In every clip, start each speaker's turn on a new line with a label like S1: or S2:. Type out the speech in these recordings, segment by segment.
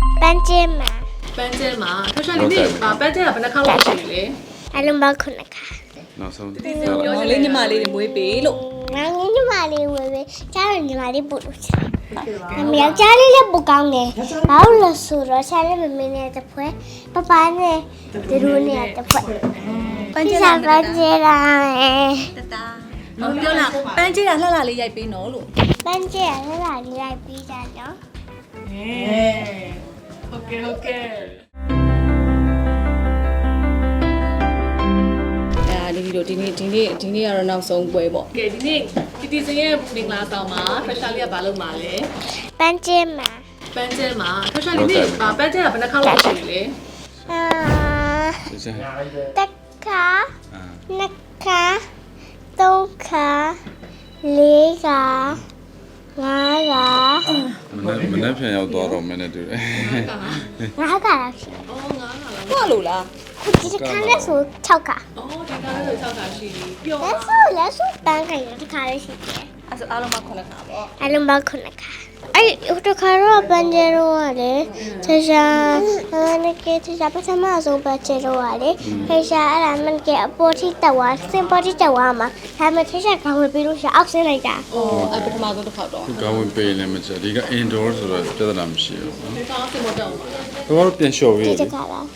S1: 班姐嘛，
S2: 班姐嘛，他说你那班姐不能看老师嘞。
S1: 还能包可能看。
S3: နောက်ဆုံး
S4: လေးညီမလေးတွေမွေးပေးလို့
S1: 然后你妈的喂喂，家人你妈的不录起来。那么要家里也不讲的，然后了说了，家里妹妹呢在拍，爸爸呢在路呢在拍。
S4: ပန်းကျဲ
S1: ဒီ
S4: လာ
S1: စားပန်းကျဲလာမယ်
S4: တတာဟောပြောလားပန်းကျဲတာလှလှလေးရိုက်ပေးနော်လို့
S1: ပန်းကျဲရလာလိုက်ပြီးကြနော်
S2: OK。
S4: ဒီလိုဒီနေ့ကတော့နောက်ဆုံးပွဲပေါ့
S2: ကဲဒီနေ့တီတီစင်ရဲ့မင်္ဂလာဆောင်မှာဖက်ရှာလေးကဘာလုပ်မှာလဲ
S1: ပန်းကျဲမှာ
S2: ပန်းကျဲမှာဖက်ရှာလေးနေ့ပန်းကျဲကဘယ်နှခါလောက်ရှိလဲ
S1: အာ
S3: ဒီစံ
S1: တက်ခါ
S3: အာ
S1: နှစ်ခါသုံးခါလေးခါငါးခါ
S3: မနေ့ပြန်ရောက်သွားတော့မင်းနဲ့တူတယ်
S1: ငါးခါလောက်ရှိ
S2: အော်ငါးခါလား
S4: ဟုတ်လို့လား
S1: ခုဒီတစ်ခါနဲ့ဆို6ခါ
S2: အော်ဒီကားလေး6ခါရှိပြီပျော်
S1: လက်ဆိုပန်းခိုင်တစ်ခါလေးရှိတယ်
S4: အဲ့ဆိုအားလုံးမှ9ခါပေါ့
S1: အလုံးပေါင်း9ခါအဲ့ဟိုတစ်ခါတော့ပန်းကျဲတော့ကလေဆရာနကေဆရာပထမဆုံးပန်းကျဲတော့ကလေဆရာအဲ့ဒါမန်ကေအပေါ်ထိတက်သွားစင်ပေါ်ထိတက်သွားမှာဒါမှဆရာကောင်းဝင်ပြီးလို့ဆရာအောက်ဆင်းလိုက်တာ
S4: အော်အဲ့ပထမဆုံးတစ်ခါတော့
S3: ကောင်းဝင်ပေးလည်းမချက်ဒီက indoor ဆိုတော့ပြဿနာမရှိဘူး
S2: ဒီကားစင်မတော့ဘူး
S3: တော့ပြန်လျှော်ပေး
S1: ဒီ
S3: တယ်
S1: တစ်ခါလား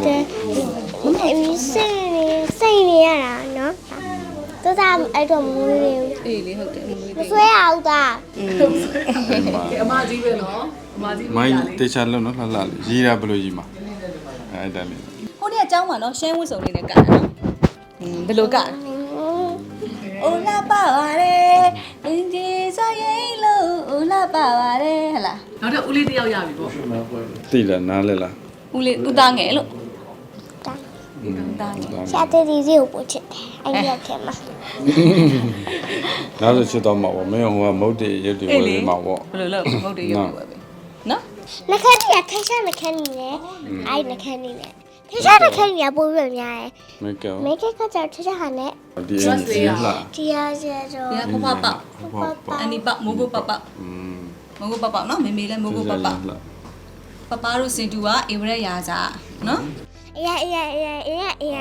S1: စိတ်နေရတာနော်တော့ဒါအဲ့တော့မွေးနေဘူး
S4: အေးလေဟုတ်တယ်မွေး
S1: မ
S4: သေး
S1: ဆွဲအောင်သား
S2: ကဲအမကြီးပဲနော်အမကြီး
S3: မိုင်းတေချာလုံးနော်လှလှလေးရေးတာဘယ်လိုရေးမှာအဲ့ဒါလေး
S4: ဟိုနေ့အเจ้าမှာနော်ရှမ်းဝတ်စုံလေးနဲ့ကန်တာနော်ဘယ်လိုကန်အိုလာပါပါလေအင်းဒီဆိုရင်လို့အိုလာပါပါလေဟလား
S2: နောက်တော့ဦးလေးတယောက်ရပြီပေါ့
S3: သိလားနားလဲလား
S4: ဦးလေးဦးသားငယ်လို့
S1: တာ
S4: ဦးသားငယ်
S1: ဆရာတေးဒီစီကိုပို့ချစ်တယ်အဲ့ဒီထဲမှာ
S3: ဒါဆိုချစ်တော့မှာပေါ့မင်းဟိုကမုတ်တေရုပ်တွေဝယ်ပေးမှာပေါ့
S4: ဘယ်လိုလုပ်မဟုတ်တယ်ရုပ်ပဲပဲနော်
S1: နှခမ်းကြီးကထိုင်ရှာနှခမ်းကြီးနဲ့အဲ့နှခမ်းကြီးနဲ့ထိုင်ရှာနှခမ်းကြီးကပို့ပြီးများတယ်
S3: မေကယ်
S1: မိတ်ကကကြောင့်ထိုင်ရှာဟာနဲ့
S3: ဒီအင်းကြီးလား
S1: တရားကျတော့
S4: ဒီကဖဖပအန်ဒီပမိုးကိုပပမိုးကိုပပနော်မေမေလည်းမိုးကိုပပပပတို့စင်တူကအေဝရက်ရာစာနော်
S1: အေးအေးအေးအေးအေးအေး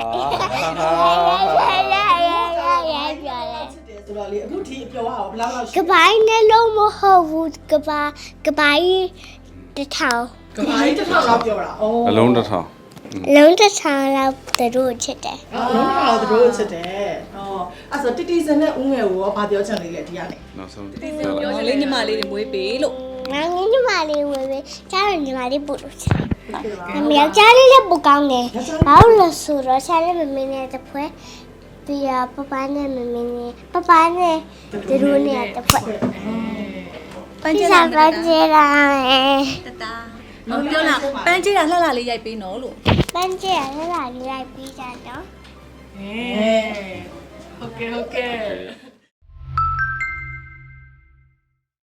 S1: ပြောလဲ
S5: ဆိုတော့လေအခုထိအပြောရအောင်ဘယ်လောက်လောက်ရှိ
S1: ကပိုင်းနဲ့လုံးမဟုတ်ဘူးကပိုင်းတစ်ထောင်
S5: ကဘာကြီးတစ်ထောင်လောက်ပြောတာဩ
S3: အလုံးတစ်ထောင်
S1: လုံးတစ်ထောင်လောက်သူတို့ချစ်တယ်
S5: လုံးတစ်ထောင်သူတို့ချစ်တယ်ဩအဲ့ဆိုတီတီစင်နဲ့ဦးငယ်ကိုရောဘာပြောချင်လေးလဲဒီကနေ
S3: နောက်ဆုံး
S4: လေးညီမလေးတွေမွေးပေးလို့
S1: ငါညီမလေးဝယ်ပဲကြားရညီမလေးပို့လို့ချစ်တယ်အမေယောက်ျားလေးလည်းပိုကောင်းတယ်ဘာလို့လဲဆိုတော့ဆရာလေးမမင်းနဲ့တပွဲပြီးတော့ပပနဲ့မမင်းနဲ့ပပနဲ့သူတို့နဲ့တပွဲ
S4: ပန်း
S1: ဒီ
S4: ကျဲ
S1: စားပ
S4: လာ
S1: န်းကျဲလာမယ်
S4: တတာဟောပြောလားပန်းကျဲတာလှလှလေးရိုက်ပေးနော်လို့
S1: ပန်းကျဲရလာလိုက်ပြီးကြတော့
S2: OK。